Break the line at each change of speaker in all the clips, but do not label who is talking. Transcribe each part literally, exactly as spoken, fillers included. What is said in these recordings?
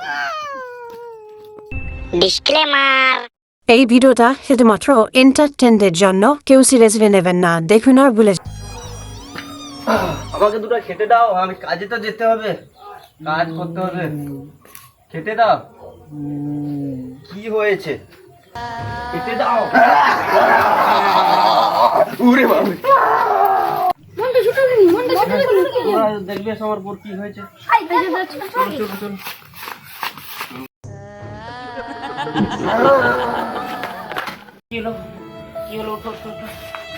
Disclaimer,
এই ভিডিওটা শুধুমাত্র এন্টারটেনমেন্টের জন্য, কেউ সিরিয়াসলি নেবেন না, দেখুন আর ভুলে
আমাকে দুটো খেতে দাও, আমি কাজে তো যেতে হবে, কাজ করতে হবে, খেতে দাও। কি হয়েছে? খেতে দাও। উরে বাবা, তোমরা দেখবে আমার পর কি হয়েছে। চলো চলো চলো। কি হলো কি হলো? ওঠো ওঠো ওঠো।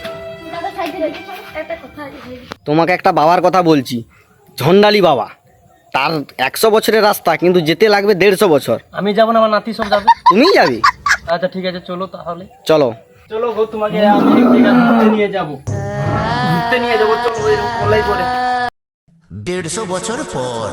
তোমাকে একটা বাবার কথা বলছি, ঝন্ডালি বাবা। তার একশো বছরের রাস্তা, কিন্তু যেতে লাগবে দেড়শো বছর। আমি যাবো না, আমার নাতি সব যাবে। তুমিই যাবি? আচ্ছা ঠিক আছে, চলো তাহলে। চলো চলো গো, তোমাকে আমি ঘুরতে নিয়ে যাবো, ঘুরতে নিয়ে যাবো। চলো ওলাই করে।
দেড়শো বছর পর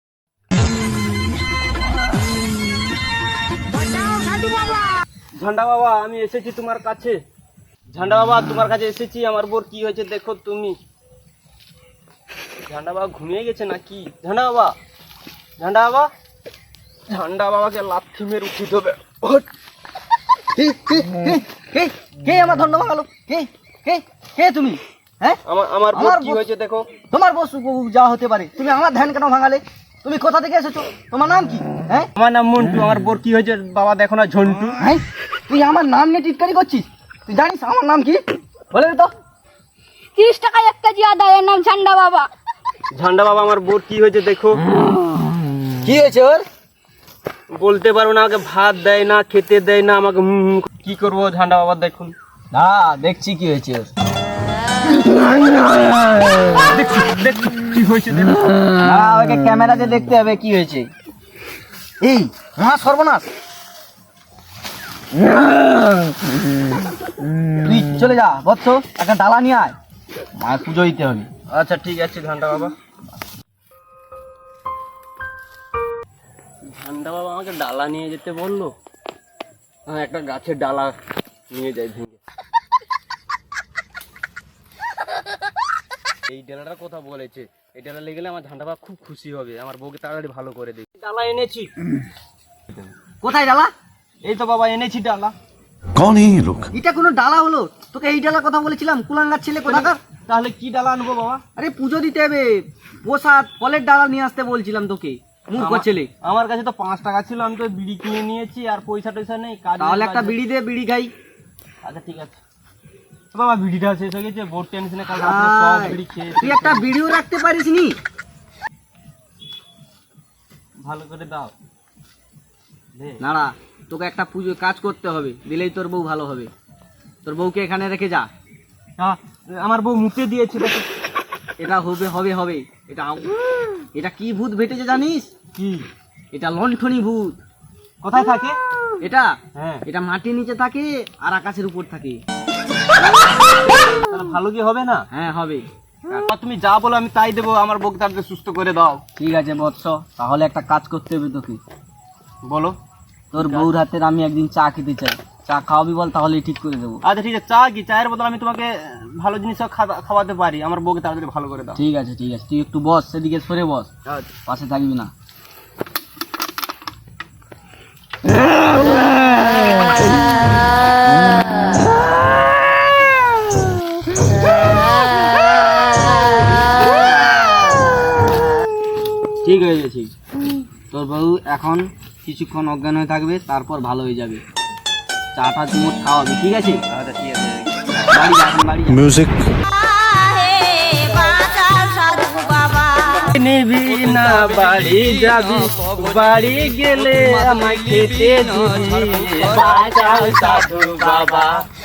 ঝান্ডা বাবা, আমি এসেছি তোমার কাছে। ঝান্ডা বাবা, তোমার কাছে এসেছি। আমার বোর কি হয়েছে দেখো তুমি। ঝান্ডা বাবা ঘুমিয়ে গেছে নাকি? ঝান্ডা বাবা, ঝান্ডা বাবা, ঝান্ডা বাবাকে লাথি মেরে উঠে দেবে।
কে আমার ধন্ড ভাঙালো? কে কে কে তুমি? হ্যাঁ,
আমার আমার বোর কি হয়েছে দেখো।
তোমার বস যা হতে পারে, তুমি আমার ধ্যান কেন ভাঙালে? তুমি কোথা থেকে এসেছো? তোমার নাম কি? হ্যাঁ,
আমার নাম মন্টু। আমার বোর কি হয়েছে বাবা দেখো না, ঝন্টু।
হ্যাঁ, তুই আমার নাম নিয়ে টিটকারি করছিস? তুই জানিস আমার নাম কি? বলে তো।
তিরিশ টাকা এক কেজি আদা, এর নাম ঝান্ডা বাবা।
ঝান্ডা বাবা, আমার বোর কি হয়েছে দেখো।
কি হয়েছে ওর?
বলতে পারবো না, আমাকে ভাত দেয় না, খেতে দেয় না আমাকে। কি করবো ঝান্ডা বাবা দেখুন
না, দেখছি কি হয়েছে ওর।
দেখছি কি হয়েছে দেখো।
না, ওকে ক্যামেরাতে দেখতে হবে কি হয়েছে। এই মহা সর্বনাশ, তুই চলে যা বৎস, একটা ডালা নিয়ে আয়, মায়ের পুজো দিতে হবে।
আচ্ছা ঠিক আছে ঝান্ডা বাবা। ঝান্ডা বাবা আমাকে ডালা নিয়ে যেতে বললো। হ্যাঁ, একটা গাছের ডালা নিয়ে যাই ভেঙে। এই ডালাটার কথা বলেছে, এই ডালা লেগে গেলে আমার ঝান্ডা বাবা খুব খুশি হবে, আমার বউকে তাড়াতাড়ি ভালো করে দিই। ডালা এনেছি।
কোথায় ডালা?
এই তো বাবা এনেছি ডালা।
कौन है ये लोग?
এটা কোনো ডালা হলো? তোকে এই ডালার কথা বলেছিলাম, কুলাঙ্গার ছেলে কোথাকার।
তাহলে কি ডালা আনবো বাবা?
আরে পুজো দিতে হবে, প্রসাদ ফলের ডালা নিয়ে আসতে বলছিলাম তোকে, মূর্খ
আমার-
ছেলে।
আমার কাছে তো পাঁচ টাকা ছিল, আমি তো বিড়ি কিনে নিয়েছি, আর পয়সা টয়সা নেই। কাজ
তাহলে একটা বিড়ি দে, বিড়ি খাই।
আচ্ছা ঠিক আছে বাবা, বিড়িটা শেষ হয়ে গেছে, বোর্ড টেনশনে কাল রাতে সব বিড়ি খেয়ে
তুই একটা বিড়িও রাখতে পারিস নি।
ভালো করে দাও দে।
নাড়া, তোকে একটা পুজো কাজ করতে হবে, দিলেই তোর বউ ভালো হবে। তোর বউকে এখানে রেখে যা।
হ্যাঁ, আমার বউ মুতে দিয়েছে দেখো।
এটা হবে হবে হবে এটা এটা কি ভূত ভেটেছে জানিস?
কি?
এটা লণ্ঠনী ভূত।
কোথায় থাকে
এটা
হ্যাঁ,
এটা মাটির নিচে থাকে আর আকাশের উপর থাকে।
তাহলে ভালো কি হবে না?
হ্যাঁ হবে।
আর তুমি যা বলো আমি তাই দেবো, আমার বউকে তাড়াতাড়ি সুস্থ করে দাও।
ঠিক আছে বৎস, তাহলে একটা কাজ করতে হবে তোকে।
বলো।
তোর বউর হাতের আমি একদিন চা খেতে চাই, চা খাওয়াবি বল, তাহলেই ঠিক করে দেবো।
আচ্ছা ঠিক আছে, চা কি? চায়ের বদলে আমি তোমাকে ভালো জিনিস খাওয়াতে পারি, আমার বউকে তাড়াতাড়ি ভালো করে দাও।
ঠিক আছে ঠিক আছে, তুই একটু বস, সেদিকে সরে বস,
আচ্ছা।
পাশে থাকবি না। ঠিক হয়ে গেছে। তোর বউ এখন কিছুক্ষণ অজ্ঞান হয়ে থাকবে, তারপর ভালো হয়ে যাবে। চাটা চুমুট খাওয়াবি, ঠিক আছে?
আচ্ছা ঠিক আছে।
বাড়ি যা, এখন বাড়ি যা।
म्यूजिक
নিবি না বাড়ি যাবি, বাড়ি গেলে আমায় খেতে দিবি। বাঁচাও সাধু বাবা।